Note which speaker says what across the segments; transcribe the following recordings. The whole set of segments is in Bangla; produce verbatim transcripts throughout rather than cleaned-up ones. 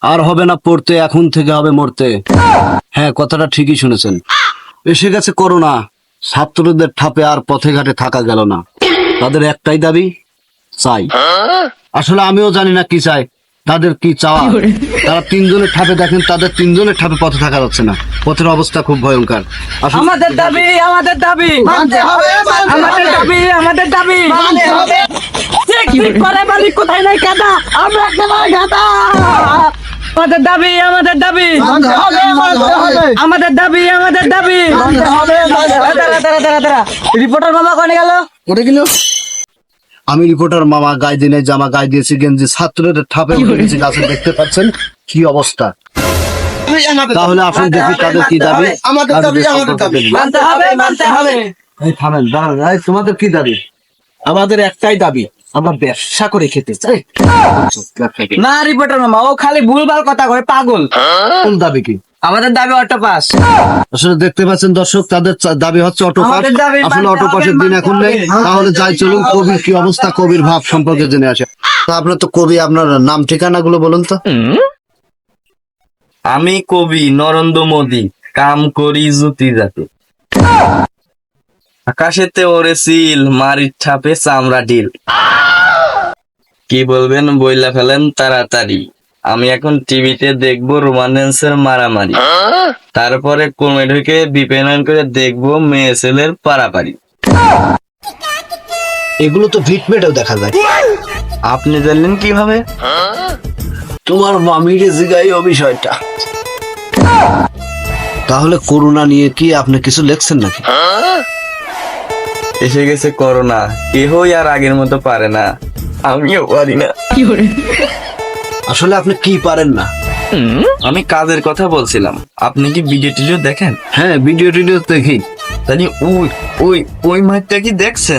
Speaker 1: আর হবে না পড়তে, এখন থেকে হবে মরতে। হ্যাঁ, কথাটা ঠিকই শুনেছেন। এসে গেছে করোনা, ছাত্রদের ঠাপে আর পথে ঘাটে থাকা গেল না। তাদের একটাই দাবি, চাই। আসলে আমিও জানি না কি চাই, তাদের কি চাওয়া। তারা তিনজনের ঠাপে দেখেন, তাদের তিনজনের ঠাপে পথে থাকা যাচ্ছে না। পথের অবস্থা খুব ভয়ঙ্কর। আসলে
Speaker 2: আমাদের দাবি আমাদের দাবি
Speaker 3: মানতে হবে, মানতে
Speaker 2: আমাদের
Speaker 3: হবে।
Speaker 2: দাবি আমাদের দাবি
Speaker 3: মানতে হবে।
Speaker 2: ঠিক ঠিক করে বলি, কোথায় নাই কাদা, আমরা একেবারে গাদা। আমাদের দাবি আমাদের দাবি
Speaker 3: মানতে হবে, মানতে হবে।
Speaker 2: আমাদের দাবি আমাদের দাবি
Speaker 3: মানতে হবে, মানতে হবে।
Speaker 2: দাঁড়া দাঁড়া দাঁড়া দাঁড়া রিপোর্টার মামা কোনে গেল?
Speaker 3: ওটা কিলো
Speaker 1: আমি রিপোর্টার মামা, গায়ে দিনে জামা, গায়ে দিয়েছি গেঞ্জি, ছাত্রদের ঠাপে উঠে গেছি গাছে। দেখতে পাচ্ছেন কি অবস্থা। তাহলে আসুন দেখি তাদের কি দাবি।
Speaker 3: আমাদের দাবি, আমাদের দাবি।
Speaker 2: মানতে হবে মানতে হবে।
Speaker 1: এই থামেন, দাঁড়ান। এই, তোমাদের কি দাবি?
Speaker 3: আমাদের একটাই দাবি, আমরা ব্যবসা করে খেতে চাই।
Speaker 2: না রিপোর্টার মামা, ও খালি ভুলভাল কথা কয়, পাগল।
Speaker 1: কোন দাবি কি?
Speaker 2: আমাদের দাবি অটো পাস।
Speaker 1: আসলে দেখতে পাচ্ছেন দর্শক, তাদের চা- দাবি হচ্ছে অটো পাস।
Speaker 2: আমাদের দাবি
Speaker 1: আসলে
Speaker 2: মানতে
Speaker 1: অটো
Speaker 2: হবে,
Speaker 1: পাসের দিন
Speaker 2: মানতে
Speaker 1: এখন নেই।
Speaker 2: হবে।
Speaker 1: তাহলে যাই চলুন, কবির কি অবস্থা, কবির ভাব সম্পর্কে জেনে আসে। তা আপনার তো কবি, আপনার নাম ঠিকানা গুলো বলুন তো।
Speaker 4: আমি কবি নরেন্দ্র মোদী, কাম করি জুতি জাতি। আকাশেতে ওরে সিল, মারির ছাপে চামড়া ঢিল। কি বলবেন বইলা ফেলেন তাড়াতাড়ি। আমি এখন টিভিতে দেখবো রোমান্সের মারামারি, তারপরে কমে ঢুকে বিপণন করে দেখবো মেয়ে ছেলের পারাপারি।
Speaker 1: এগুলো তো ভিটমেটেও দেখা যায়।
Speaker 4: আপনি জানলেন কিভাবে?
Speaker 1: তোমার মামিরে জিগাই ও বিষয়টা। তাহলে করোনা নিয়ে কি আপনি কিছু লেখছেন নাকি?
Speaker 4: এসে গেছে করোনা, কেহই আর আগের মতো পারে না, আমিও পারি না।
Speaker 1: আসলে আপনি কি পারেন না?
Speaker 4: আমি কাজের কথা বলছিলাম। আপনি কি ভিডিও টিডিও দেখেন?
Speaker 1: হ্যাঁ, ভিডিও টিডিও দেখি।
Speaker 4: তাহলে ওই ওই ওই মাঠটা কি দেখছেন?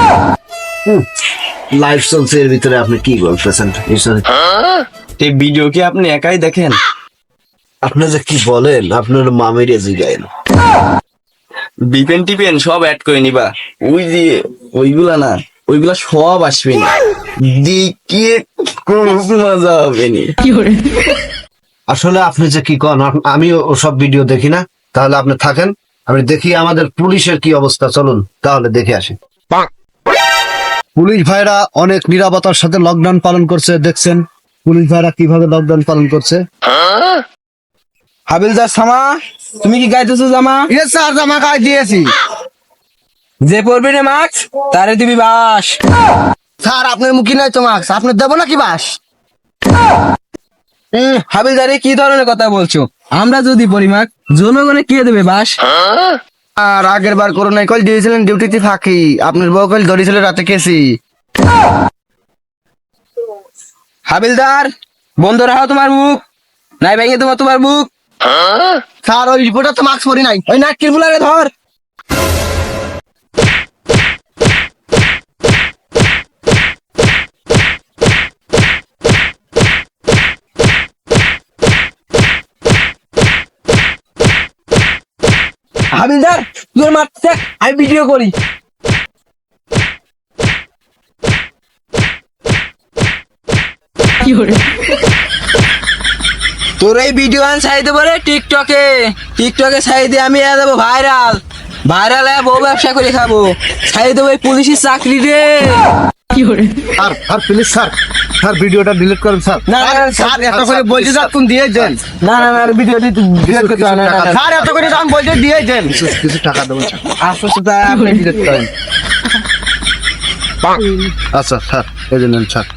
Speaker 1: লাইভ চলছে, এর ভিতরে আপনি কি বলতেছেন?
Speaker 4: এই ভিডিও কি আপনি একাই দেখেন?
Speaker 1: আপনি যে কি বলেন, আপনার মামিরে জিগাইন।
Speaker 4: বিপেন টিপেন সব অ্যাড করে নিবা। ওই যে ওইগুলা না, ওইগুলা সব আসবে না, দেখিয়ে কোনো মজা হবে না।
Speaker 1: আসলে আপনি যে কি কন, আপ- আমি ওসব ভিডিও দেখি না। তাহলে আপনি থাকেন, আমি দেখি আমাদের পুলিশের কি অবস্থা। চলুন তাহলে দেখে আসি। পুলিশ ভাইরা অনেক নিরাপত্তার সাথে লকডাউন পালন করছে। দেখছেন পুলিশ ভাইরা কিভাবে লকডাউন পালন করছে।
Speaker 2: হাবিলদার সামা, তুমি কি গাইতেছো জামা?
Speaker 3: ইয়ে স্যার, জামা গায়ে দিয়েছি।
Speaker 2: যে পড়বি না মাস্ক, তারে দিবি বাস।
Speaker 3: স্যার, আপনার মুখী নয় তো মাস্ক, আপনার দেবো নাকি বাস?
Speaker 2: হুম, হাবিলদারে কি ধরনের কথা বলছো? আমরা যদি পড়ি মাস্ক, জনগণে কে দেবে বাস?
Speaker 3: আর আগের বার করোনায় কল দিয়েছিলেন ডিউটিতে ফাঁকি, আপনার বউ কল ধরেছিল রাতে কেসি।
Speaker 2: হাবিলদার, বন্ধ রাখো তোমার মুখ, নাই ভেঙে তোমার তোমার মুখ।
Speaker 3: স্যার, ওই রিপোর্টার তো মাস্ক পরি নাই।
Speaker 2: ওই নাটকির বুলারে ধর। হাবিলদার, তোর মারতে থাক, আমি ভিডিও করি। তোর এই ভিডিও আন ছাই দেবো রে টিকটকে। টিকটকে ছাই দিয়ে আমি এ দেবো ভাইরাল। ভাইরাল হয়ে বউ ব্যবসা করে খাবো। ছাই দেবো এই পুলিশের চাকরি রে।
Speaker 1: Sir, sir please sir, sir ভিডিওটা ডিলিট করেন স্যার।
Speaker 2: না না
Speaker 3: স্যার, এত করে বলছে স্যার, তুমি দিয়ে দেন।
Speaker 2: না না না ভিডিও ডিলিট করতে হবে না, না, না।
Speaker 3: স্যার, এত করে দাম বলছে দিয়ে দেন।
Speaker 1: কিছু- কিছু টাকা দেবেন স্যার।
Speaker 2: আশ্বাস তা আপনি ডিলিট করেন।
Speaker 1: আচ্ছা স্যার, এই যে নেন স্যার।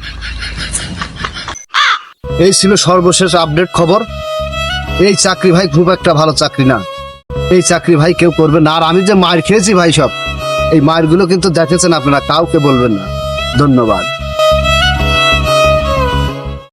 Speaker 1: এই ছিল সর্বশেষ আপডেট খবর। এই চাকরি ভাই খুব একটা ভালো চাকরি না। এই চাকরি ভাই কেউ করবে না। আর আমি যে মার খেয়েছি ভাই, সব এই মারগুলো কিন্তু দেখেছেন আপনারা, কাউকে বলবেন না। ধন্যবাদ।